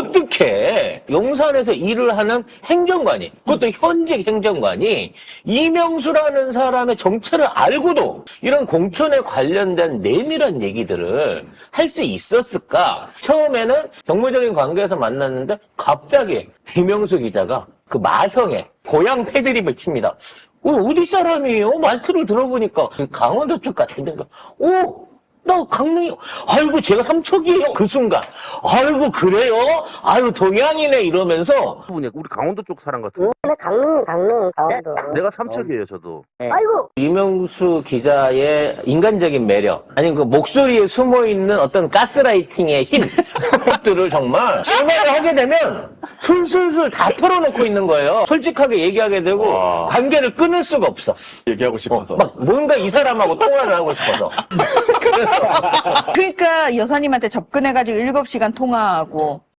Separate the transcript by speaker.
Speaker 1: 어떻게 용산에서 일을 하는 행정관이, 그것도 현직 행정관이 이명수라는 사람의 정체를 알고도 이런 공천에 관련된 내밀한 얘기들을 할 수 있었을까? 처음에는 정무적인 관계에서 만났는데 갑자기 이명수 기자가 그 마성에 고향 패드립을 칩니다. 어디 사람이에요? 말투를 들어보니까 강원도 쪽 같은데, 나 강릉이, 아이고, 제가 삼척이에요. 그 순간, 아이고, 그래요? 아이고, 동양이네, 이러면서.
Speaker 2: 우리 강원도 쪽 사람 같은.
Speaker 3: 강릉, 강원도.
Speaker 2: 내가 삼척이에요, 저도.
Speaker 3: 아이고!
Speaker 1: 이명수 기자의 인간적인 매력, 아니, 그 목소리에 숨어있는 어떤 가스라이팅의 힘, 것들을 정말, 전화를 하게 되면, 술술술 다 털어놓고 있는 거예요. 솔직하게 얘기하게 되고, 관계를 끊을 수가 없어.
Speaker 4: 얘기하고 싶어서.
Speaker 1: 막, 뭔가 이 사람하고 통화를 하고 싶어서. 그래서.
Speaker 5: 그러니까 여사님한테 접근해가지고 7시간 통화하고